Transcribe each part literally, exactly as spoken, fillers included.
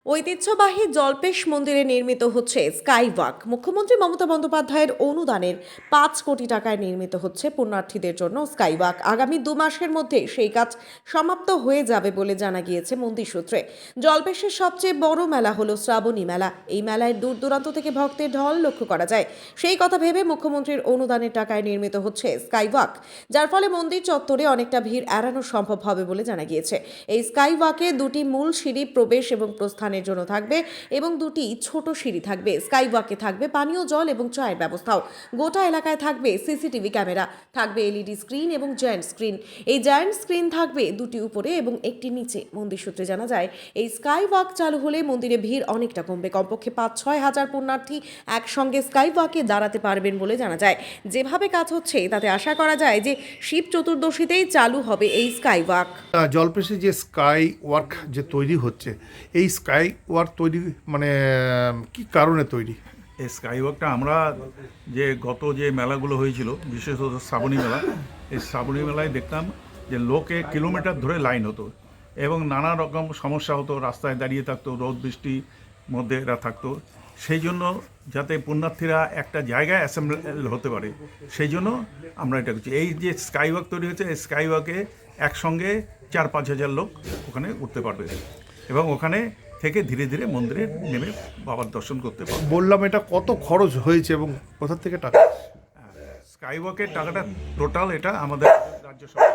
ঐতিহ্যবাহী জল্পেশ মন্দিরে নির্মিত হচ্ছে স্কাইওয়াক। মুখ্যমন্ত্রী মমতা বন্দ্যোপাধ্যায়ের অনুদানের পাঁচ কোটি টাকায় নির্মিত হচ্ছে পুণ্যার্থীদের জন্য স্কাইওয়াক। আগামী দু মাসের মধ্যে সেই কাজ সমাপ্ত হয়ে যাবে বলে জানা গিয়েছে মন্দির সূত্রে। জল্পেশের সবচেয়ে বড় মেলা হলো শ্রাবণী মেলা। এই মেলায় দূর দূরান্ত থেকে ভক্তের ঢল লক্ষ্য করা যায়। সেই কথা ভেবে মুখ্যমন্ত্রীর অনুদানের টাকায় নির্মিত হচ্ছে স্কাইওয়াক, যার ফলে মন্দির চত্বরে অনেকটা ভিড় এড়ানো সম্ভব হবে বলে জানা গিয়েছে। এই স্কাইওয়াকে দুটি মূল সিঁড়ি প্রবেশ এবং প্রস্থানের জন্য থাকবে এবং দুটি ছোট সিঁড়ি থাকবে। স্কাইওয়াকে থাকবে পানীয় জল এবং চায়ের ব্যবস্থাও। গোটা এলাকায় থাকবে সিসিটিভি ক্যামেরা, থাকবে এলইডি স্ক্রিন এবং জায়ান্ট স্ক্রিন। এই জায়ান্ট স্ক্রিন থাকবে দুটি উপরে এবং একটি নিচে। মন্দির সূত্রে জানা যায়, এই স্কাইওয়াক চালু হলে মন্দিরে ভিড় অনেকটা কমবে। কমপক্ষে পাঁচ ছয় হাজার পুণ্যার্থী একসঙ্গে স্কাইওয়াকে দাঁড়াতে পারবেন বলে জানা যায়। যেভাবে কাজ হচ্ছে তাতে আশা করা যায় যে শিব চতুর্দশীতেই চালু হবে এই স্কাইওয়াক। জলপেশে যে স্কাই ওয়ার্ক যে তৈরি হচ্ছে, এই স্কাই ওয়ার্ক তৈরি মানে কি কারণে তৈরি? এই স্কাইওয়াকটা আমরা যে গত যে মেলাগুলো হয়েছিল, বিশেষত শ্রাবণী মেলা, এই শ্রাবণী মেলায় দেখতাম যে লোকে কিলোমিটার ধরে লাইন হতো এবং নানা রকম সমস্যা হতো, রাস্তায় দাঁড়িয়ে থাকতো, রোদ বৃষ্টির মধ্যে এরা থাকতো। সেই জন্য যাতে পুণ্যার্থীরা একটা জায়গায় অ্যাসেম্বল হতে পারে, সেই জন্য আমরা এটা করছি। এই যে স্কাইওয়াক তৈরি হচ্ছে, এই স্কাইওয়াকে একসঙ্গে চার পাঁচ হাজার লোক ওখানে উঠতে পারবে এবং ওখানে থেকে ধীরে ধীরে মন্দিরে নেমে বাবার দর্শন করতে পারবে। বললাম, এটা কত খরচ হয়েছে এবং কোথা থেকে টাকা? স্কাইওয়াকের টাকাটা টোটাল এটা আমাদের রাজ্য সরকার।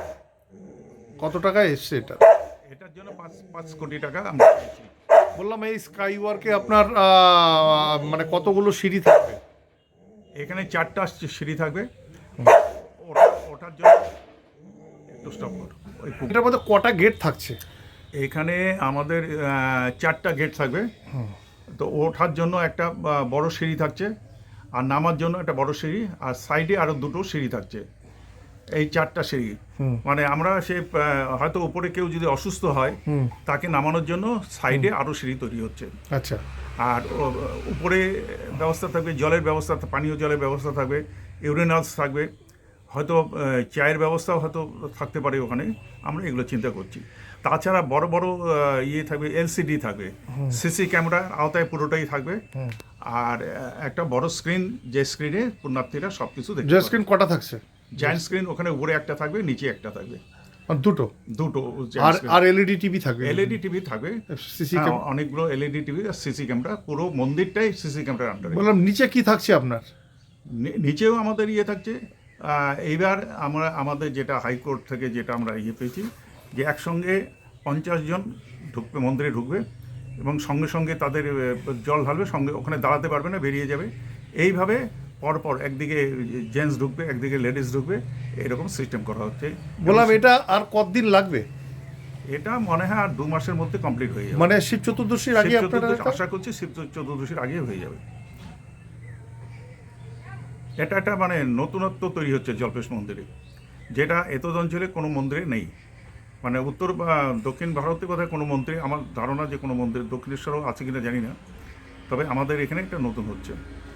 কত টাকা এসছে এটা? এটার জন্য পাঁচ পাঁচ কোটি টাকা আমরা পেয়েছি। বললাম, এই স্কাই ওয়ার্কে আপনার আহ, মানে কতগুলো সিঁড়ি থাকবে? এখানে চারটা সিঁড়ি থাকবে। ওটা- ওটার জন্য একটু স্টপ করো। ওই পুকুর- এটার মধ্যে কটা গেট থাকছে? এখানে আমাদের আহ, চারটা গেট থাকবে। তো ওঠার জন্য একটা আহ, বড় সিঁড়ি থাকছে, আর নামার জন্য একটা বড় সিঁড়ি, আর সাইডে আরো দুটো সিঁড়ি থাকছে। এই চারটা সিঁড়ি মানে আমরা সে আহ, হয়তো উপরে কেউ যদি অসুস্থ হয় তাকে নামানোর জন্য সাইডে আরো সিঁড়ি তৈরি হচ্ছে। আচ্ছা। আর ও- উপরে ব্যবস্থা থাকবে, জলের ব্যবস্থা, পানীয় জলের ব্যবস্থা থাকবে, ইউরেনালস থাকবে, হয়তো আহ, চায়ের ব্যবস্থাও হয়তো থাকতে পারে ওখানে। আমরা এগুলো চিন্তা করছি। তাছাড়া বড় বড় আহ, ইয়ে থাকবে, এলসিডি থাকবে, সিসি ক্যামেরার আওতায় পুরোটাই থাকবে। আর আহ, একটা বড় স্ক্রিন, যে স্ক্রিনে পুণ্যার্থীরা সব কিছু দেখতে যে পাবে। স্ক্রিন কটা থাকছে? জায়ান্ট স্ক্রিন ওখানে উপরে একটা থাকবে, নিচে একটা থাকবে, আর দুটো? দুটো আর আর এলইডি টিভি থাকবে? এলইডি টিভি থাকবে, সিসি হ্যাঁ, অনেকগুলো এলইডি টিভি আর সিসি ক্যামেরা। পুরো মন্দিরটাই সিসি ক্যামেরার আন্ডারে। বললাম, নিচে কি থাকছে আপনার? নি- নিচেও আমাদের ইয়ে থাকছে। আহ, এইবার আমরা আমাদের যেটা হাইকোর্ট থেকে যেটা আমরা ইয়ে পেয়েছি, যে একসঙ্গে পঞ্চাশ জন ঢুকবে, মন্দিরে ঢুকবে এবং সঙ্গে সঙ্গে তাদের আহ, জল ঢালবে, সঙ্গে ওখানে দাঁড়াতে পারবে না, বেরিয়ে যাবে। এইভাবে পরপর একদিকে জেন্টস ঢুকবে, একদিকে লেডিস ঢুকবে, এরকম সিস্টেম করা হচ্ছে। বললাম, এটা আর কতদিন লাগবে? এটা মনে হয় আর দু মাসের মধ্যে কমপ্লিট হয়ে যাবে। মানে শিব চতুর্দশীর আগে শিব আপনারা? চতুর্দশী- আশা করছি শিব চতুর্দশীর আগে হয়ে যাবে। এটা একটা মানে নতুনত্ব তৈরি হচ্ছে জল্পেশ মন্দিরে, যেটা এতদ অঞ্চলে কোনো মন্দিরে নেই। মানে উত্তর বা দক্ষিণ ভারতে বোধহয় কোনো মন্দিরে, আমার ধারণা যে কোনো মন্দির, দক্ষিণেশ্বরও আছে কিনা জানি না, তবে আমাদের এখানে একটা নতুন হচ্ছে।